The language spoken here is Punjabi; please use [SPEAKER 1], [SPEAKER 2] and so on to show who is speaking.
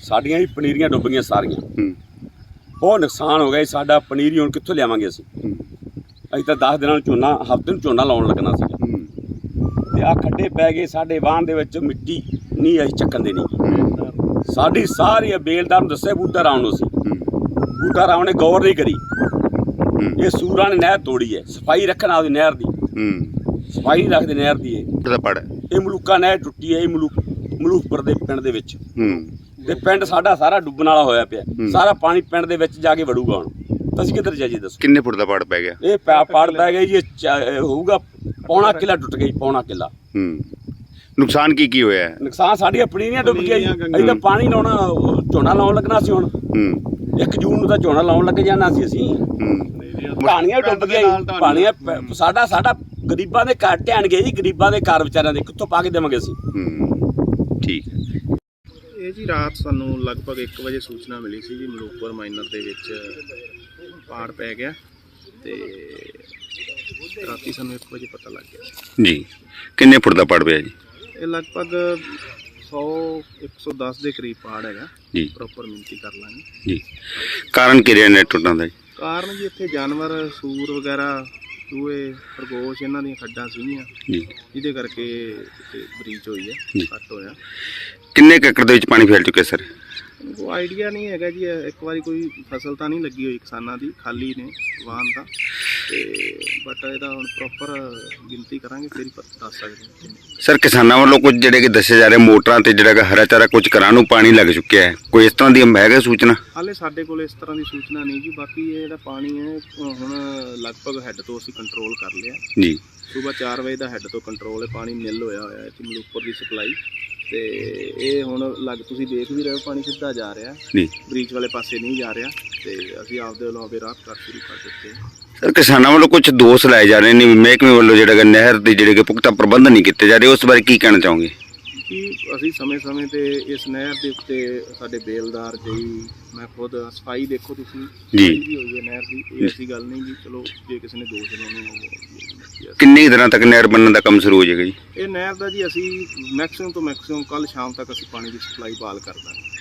[SPEAKER 1] ਸਾਡੀਆਂ ਵੀ ਪਨੀਰੀਆਂ ਡੁੱਬ ਗਈਆਂ ਸਾਰੀਆਂ। ਬਹੁਤ ਨੁਕਸਾਨ ਹੋ ਗਿਆ। ਸਾਡਾ ਪਨੀਰੀ ਹੁਣ ਕਿੱਥੋਂ ਲਿਆਵਾਂਗੇ ਅਸੀਂ? ਅਸੀਂ ਤਾਂ 10 ਦਿਨਾਂ ਨੂੰ ਝੋਨਾ, ਹਫ਼ਤੇ ਨੂੰ ਝੋਨਾ ਲਾਉਣ ਲੱਗਣਾ ਸੀ ਤੇ ਆਹ ਖੱਡੇ ਪੈ ਗਏ ਸਾਡੇ ਵਾਹਣ ਦੇ ਵਿੱਚ। ਮਿੱਟੀ ਨਹੀਂ ਅਸੀਂ ਚੱਕਣ ਦੇਣੀ। ਸਾਡੀ ਸਾਰੀ ਬੇਲਦਾਰ ਨੂੰ ਦੱਸਿਆ ਬੂਟਾ ਰਾਮ ਨੂੰ ਸੀ, ਬੂਟਾ ਰਾਮ ਨੇ ਗੌਰ ਨਹੀਂ ਕਰੀ। ਇਹ ਸੂਰਾਂ ਨੇ ਨਹਿਰ ਤੋੜੀ ਹੈ। ਸਫਾਈ ਰੱਖਣ ਆਪਦੀ ਨਹਿਰ ਦੀ, ਸਫਾਈ ਨਹੀਂ ਰੱਖਦੇ ਨਹਿਰ ਦੀ। ਇਹ ਮਲੂਕਾ ਨਹਿਰ ਟੁੱਟੀ ਹੈ। ਇਹ ਮਲੂਕਪੁਰ ਦੇ ਪਿੰਡ ਦੇ ਵਿੱਚ ਤੇ ਪਿੰਡ ਸਾਡਾ ਸਾਰਾ ਡੁੱਬਣ ਵਾਲਾ ਹੋਇਆ ਪਿਆ। ਸਾਰਾ ਪਾਣੀ ਪਿੰਡ ਦੇ ਵਿੱਚ ਜਾ ਕੇ ਵੜੂਗਾ। ਹੁਣ ਅਸੀਂ ਕਿੱਧਰ ਜਾਈਏ ਦੱਸੋ?
[SPEAKER 2] ਕਿੰਨੇ ਫੁੱਟ ਦਾ ਪਾੜ ਪੈ ਗਿਆ?
[SPEAKER 1] ਇਹ ਪਾੜ ਪੈ ਗਿਆ ਜੀ। ਹੋਊਗਾ ਪੌਣਾ ਕਿੱਲਾ ਟੁੱਟ ਗਿਆ, ਪੌਣਾ ਕਿੱਲਾ।
[SPEAKER 2] ਨੁਕਸਾਨ ਕੀ ਹੋਇਆ?
[SPEAKER 1] ਨੁਕਸਾਨ ਸਾਡੀਆਂ ਪਨੀਰੀਆਂ ਡੁੱਬ ਗਈਆਂ ਜੀ। ਅਸੀਂ ਤਾਂ ਪਾਣੀ ਲਾਉਣਾ, ਝੋਨਾ ਲਾਉਣ ਲੱਗਣਾ ਸੀ। ਹੁਣ 1 ਜੂਨ ਨੂੰ ਤਾਂ ਝੋਨਾ ਲਾਉਣ ਲੱਗ ਜਾਣਾ ਸੀ ਅਸੀਂ। ਪਾਣੀਆਂ ਡੁੱਬ ਗਈਆਂ ਜੀ। ਪਾਣੀਆਂ ਸਾਡਾ ਗਰੀਬਾਂ ਦੇ ਘਰ ਢਹਿਣ ਗਏ ਜੀ। ਗਰੀਬਾਂ ਦੇ ਘਰ ਵਿਚਾਰਿਆਂ ਦੇ ਕਿੱਥੋਂ ਪਾ ਕੇ ਦੇਵਾਂਗੇ ਅਸੀਂ?
[SPEAKER 2] ਠੀਕ ਹੈ।
[SPEAKER 3] ਇਹ ਜੀ ਰਾਤ ਸਾਨੂੰ ਲਗਭਗ 1 ਵਜੇ ਸੂਚਨਾ ਮਿਲੀ ਸੀ ਜੀ ਮਲੂਕਪੁਰ ਮਾਈਨਰ ਦੇ ਵਿੱਚ ਪਾੜ ਪੈ ਗਿਆ ਤੇ ਰਾਤੀ ਸਾਨੂੰ 1 ਵਜੇ ਪਤਾ ਲੱਗ ਗਿਆ
[SPEAKER 2] ਜੀ। ਕਿੰਨੇ ਫੁੱਟ ਦਾ ਪਾੜ ਪਿਆ ਜੀ?
[SPEAKER 3] ਇਹ ਲਗਭਗ 100-110 ਦੇ ਕਰੀਬ ਪਾੜ ਹੈਗਾ
[SPEAKER 2] ਜੀ।
[SPEAKER 3] ਪ੍ਰੋਪਰ ਮਿਣਤੀ ਕਰ ਲਾਂਗੇ
[SPEAKER 2] ਜੀ। ਕਾਰਨ ਕੀ ਰਿਹਾ ਨੇ ਟੁੱਟਣ ਦਾ ਜੀ?
[SPEAKER 3] ਕਾਰਨ ਜੀ ਇੱਥੇ ਜਾਨਵਰ ਸੂਰ ਵਗੈਰਾ, ਚੂਹੇ, ਖਰਗੋਸ਼ ਇਹਨਾਂ ਦੀਆਂ ਖੱਡਾਂ ਸੀਗੀਆਂ
[SPEAKER 2] ਜੀ,
[SPEAKER 3] ਜਿਹਦੇ ਕਰਕੇ ਬਰੀਚ ਹੋਈ ਹੈ, ਕੱਟ ਹੋਇਆ।
[SPEAKER 2] ਕਿੰਨੇ ਏਕੜ ਦੇ ਵਿੱਚ ਪਾਣੀ ਫੈਲ ਚੁੱਕਿਆ ਸਰ?
[SPEAKER 3] ਕੋਈ ਆਈਡੀਆ ਨਹੀਂ ਹੈਗਾ ਜੀ। ਇੱਕ ਵਾਰੀ ਕੋਈ ਫਸਲ ਤਾਂ ਨਹੀਂ ਲੱਗੀ ਹੋਈ ਕਿਸਾਨਾਂ ਦੀ, ਖਾਲੀ ਨੇ ਵਾਹਨ ਤਾਂ ਤੇ ਬਟ ਇਹਦਾ ਹੁਣ ਪ੍ਰੋਪਰ ਗਿਣਤੀ ਕਰਾਂਗੇ ਫਿਰ ਹੀ ਦੱਸ ਸਕਦੇ ਹਾਂ।
[SPEAKER 2] ਸਰ ਕਿਸਾਨਾਂ ਵੱਲੋਂ ਕੁਝ ਜਿਹੜੇ ਕਿ ਦੱਸੇ ਜਾ ਰਹੇ ਮੋਟਰਾਂ ਤੇ ਜਿਹੜਾ ਕਿ ਹਰਾ ਚਾਰਾ ਕੁਝ ਘਰਾਂ ਨੂੰ ਪਾਣੀ ਲੱਗ ਚੁੱਕਿਆ ਹੈ, ਕੋਈ ਇਸ ਤਰ੍ਹਾਂ ਦੀ ਹੈਗਾ ਸੂਚਨਾ?
[SPEAKER 3] ਹਾਲੇ ਸਾਡੇ ਕੋਲ ਇਸ ਤਰ੍ਹਾਂ ਦੀ ਸੂਚਨਾ ਨਹੀਂ ਜੀ। ਬਾਕੀ ਇਹ ਜਿਹੜਾ ਪਾਣੀ ਹੈ ਹੁਣ ਲਗਭਗ ਹੈੱਡ ਤੋਂ ਅਸੀਂ ਕੰਟਰੋਲ ਕਰ ਲਿਆ
[SPEAKER 2] ਜੀ।
[SPEAKER 3] ਸਵੇਰ 4 ਵਜੇ ਦਾ ਹੈੱਡ ਤੋਂ ਕੰਟਰੋਲ ਹੈ। ਪਾਣੀ ਨਿੱਲ ਹੋਇਆ ਇੱਥੇ ਮਲੂਕਪੁਰ ਦੀ ਸਪਲਾਈ ਤੇ ਇਹ ਹੁਣ ਤੁਸੀਂ ਦੇਖ ਵੀ ਰਹੇ ਹੋ ਪਾਣੀ ਸਿੱਧਾ ਜਾ ਰਿਹਾ
[SPEAKER 2] ਜੀ,
[SPEAKER 3] ਬ੍ਰੀਚ ਵਾਲੇ ਪਾਸੇ ਨਹੀਂ ਜਾ ਰਿਹਾ ਤੇ ਅਸੀਂ ਆਪਦੇ ਵੱਲੋਂ ਰਾਹਤ ਕਰ ਸ਼ੁਰੂ ਕਰ ਦਿੱਤੇ।
[SPEAKER 2] ਸਰ ਕਿਸਾਨਾਂ ਵੱਲੋਂ ਕੁਝ ਦੋਸ਼ ਲਾਏ ਜਾ ਰਹੇ ਨੇ ਮਹਿਕਮੇ ਵੱਲੋਂ ਜਿਹੜਾ ਕਿ ਨਹਿਰ ਦੇ ਜਿਹੜੇ ਕਿ ਪੁਖਤਾ ਪ੍ਰਬੰਧ ਨਹੀਂ ਕੀਤੇ ਜਾ ਰਹੇ, ਉਸ ਬਾਰੇ ਕੀ ਕਹਿਣਾ ਚਾਹੋਗੇ?
[SPEAKER 3] ਕਿ ਅਸੀਂ ਸਮੇਂ-ਸਮੇਂ ਤੇ ਇਸ ਨਹਿਰ ਦੇ ਉੱਤੇ ਸਾਡੇ ਬੇਲਦਾਰ ਜੀ, ਮੈਂ ਖੁਦ ਸਫਾਈ ਦੇਖੋ ਤੁਸੀਂ
[SPEAKER 2] ਜੀ
[SPEAKER 3] ਵੀ ਹੋਈ ਹੈ ਨਹਿਰ ਦੀ। ਇਹ ਐਸੀ ਗੱਲ ਨਹੀਂ ਜੀ। ਚਲੋ ਜੇ ਕਿਸੇ ਨੇ ਦੋਸ਼ ਲਾਉਣੇ ਉਹ
[SPEAKER 2] ਕਿੰਨੇ ਦਿਨਾਂ ਤੱਕ ਨਹਿਰ ਬਣਨ ਦਾ ਕੰਮ ਸ਼ੁਰੂ ਹੋ ਜਾਏਗਾ ਜੀ?
[SPEAKER 3] ਇਹ ਨਹਿਰ ਦਾ ਜੀ ਅਸੀਂ ਮੈਕਸਿਮਮ ਤੋਂ ਮੈਕਸਿਮਮ ਕੱਲ ਸ਼ਾਮ ਤੱਕ ਅਸੀਂ ਪਾਣੀ ਦੀ ਸਪਲਾਈ ਬਹਾਲ ਕਰ ਦਾਂਗੇ।